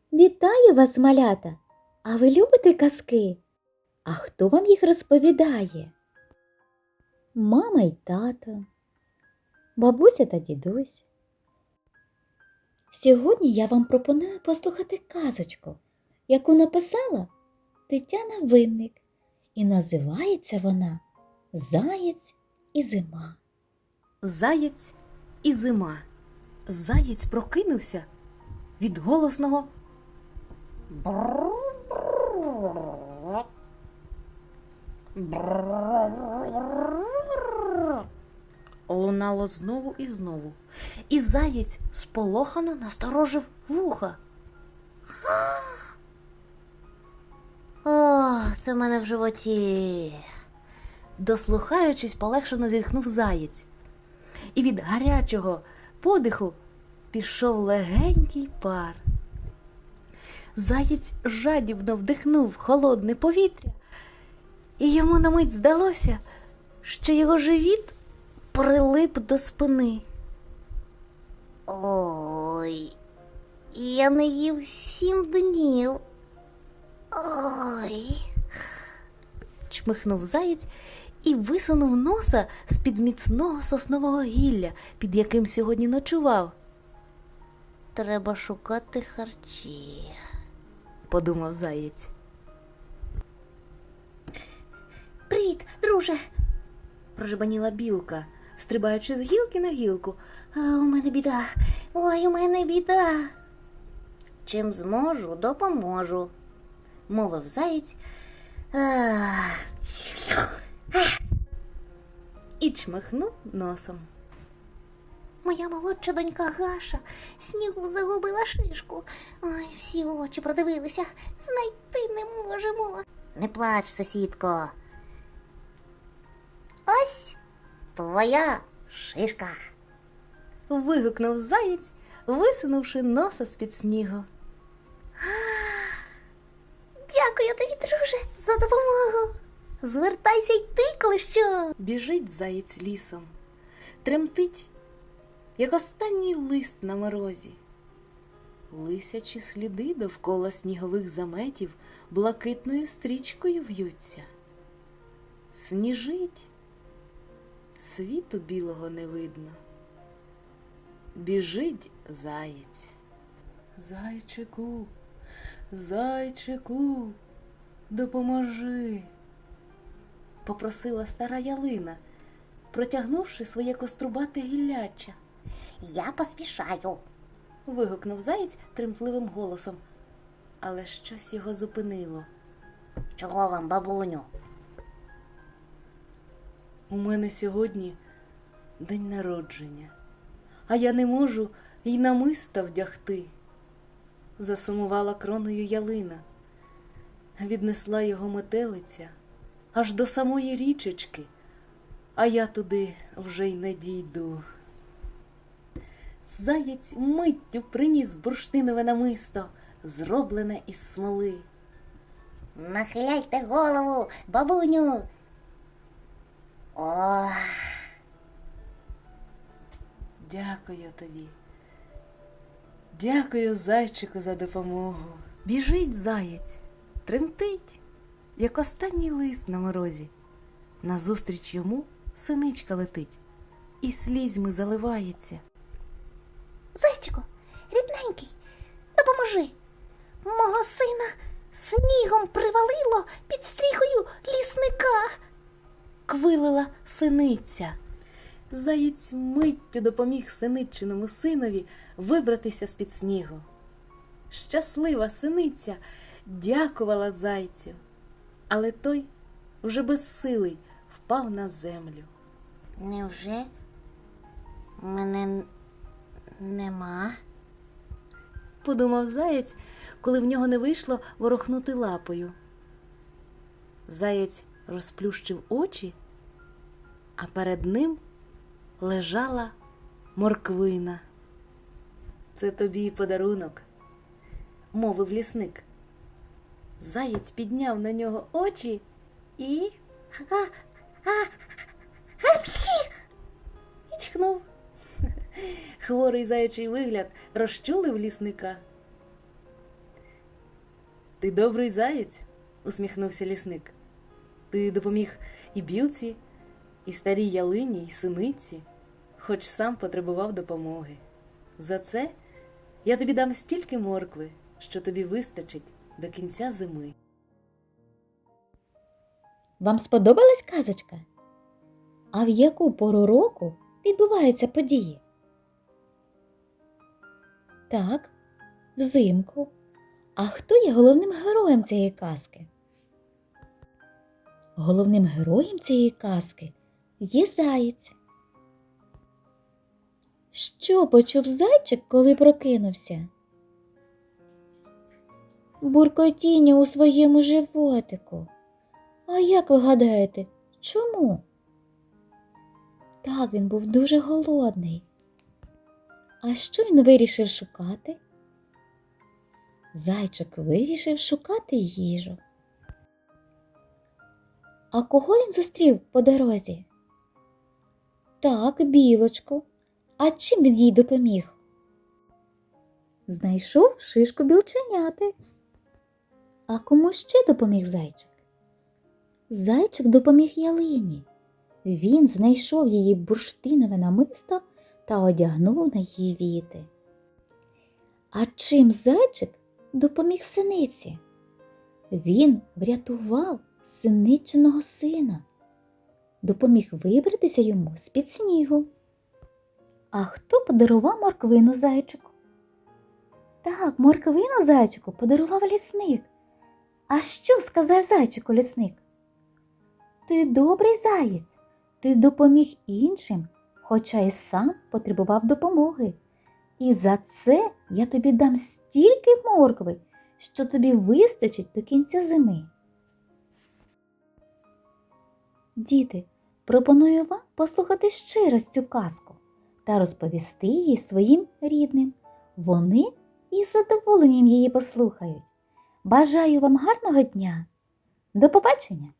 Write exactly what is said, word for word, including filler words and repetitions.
Вітаю вас, малята! А ви любите казки? А хто вам їх розповідає? Мама й тато, бабуся та дідусь. Сьогодні я вам пропоную послухати казочку, яку написала Тетяна Винник. І називається вона «Заєць і зима». Заєць і зима. Заєць прокинувся від голосного лунало знову і знову. І заєць сполохано насторожив вуха. О, це в мене в животі. Дослухаючись, полегшено зітхнув заєць. І від гарячого подиху пішов легенький пар. Заєць жадібно вдихнув холодне повітря, і йому на мить здалося, що його живіт прилип до спини. Ой, я не їв сім днів. Ой, чмихнув заєць і висунув носа з-під міцного соснового гілля, під яким сьогодні ночував. Треба шукати харчі, подумав заєць. Привіт, друже, прожебаніла білка, стрибаючи з гілки на гілку. А у мене біда, ой, у мене біда. Чим зможу, допоможу, мовив заєць. Ах. І чмихнув носом. Моя молодша донька Гаша снігу загубила шишку. Ой, всі очі продивилися, знайти не можемо. Не плач, сусідко. Ось твоя шишка. Вигукнув заєць, висунувши носа з-під снігу. Дякую тобі, друже, за допомогу. Звертайся й ти, коли що. Біжить заєць лісом, тремтить, як останній лист на морозі. Лисячі сліди довкола снігових заметів блакитною стрічкою в'ються. Сніжить, світу білого не видно. Біжить заєць. Зайчику, зайчику, допоможи, попросила стара ялина, протягнувши своє кострубате гілляча. Я поспішаю, вигукнув заєць тремтливим голосом, але щось його зупинило. Чого вам, бабуню? У мене сьогодні день народження, а я не можу й намиста вдягти. Засумувала кроною ялина, віднесла його метелиця аж до самої річечки, а я туди вже й не дійду. Заєць миттю приніс бурштинове намисто, зроблене із смоли. Нахиляйте голову, бабуню. О! Дякую тобі. Дякую, зайчику, за допомогу. Біжить заєць, тремтить, як останній лист на морозі. Назустріч йому синичка летить і слізьми заливається. Зайчику, рідненький, допоможи. Мого сина снігом привалило під стріхою лісника. Квилила синиця. Заєць миттю допоміг синиччиному синові вибратися з-під снігу. Щаслива синиця дякувала зайцю, але той вже безсилий впав на землю. Невже мене нема? Подумав заєць, коли в нього не вийшло ворухнути лапою. Заєць розплющив очі, а перед ним лежала морквина. Це тобі подарунок, мовив лісник. Заєць підняв на нього очі і... А, а, апчі! І чхнув. Хворий заячий вигляд розчулив лісника. Ти добрий заєць, усміхнувся лісник. Ти допоміг і білці, і старій ялині, і синиці, хоч сам потребував допомоги. За це я тобі дам стільки моркви, що тобі вистачить до кінця зими. Вам сподобалась казочка? А в яку пору року відбуваються події? Так, взимку. А хто є головним героєм цієї казки? Головним героєм цієї казки є заєць. Що почув зайчик, коли прокинувся? Буркотіння у своєму животику. А як ви гадаєте, чому? Так, він був дуже голодний. А що він вирішив шукати? Зайчик вирішив шукати їжу. А кого він зустрів по дорозі? Так, білочку. А чим він їй допоміг? Знайшов шишку білченяти. А кому ще допоміг зайчик? Зайчик допоміг ялині. Він знайшов її бурштинове намисто та одягнув на її віти. А чим зайчик допоміг синиці? Він врятував синичиного сина, допоміг вибратися йому з-під снігу. А хто подарував морквину зайчику? Так, морквину зайчику подарував лісник. А що сказав зайчику лісник? Ти добрий заєць, ти допоміг іншим, хоча й сам потребував допомоги. І за це я тобі дам стільки моркви, що тобі вистачить до кінця зими. Діти, пропоную вам послухати ще раз цю казку та розповісти її своїм рідним. Вони із задоволенням її послухають. Бажаю вам гарного дня. До побачення!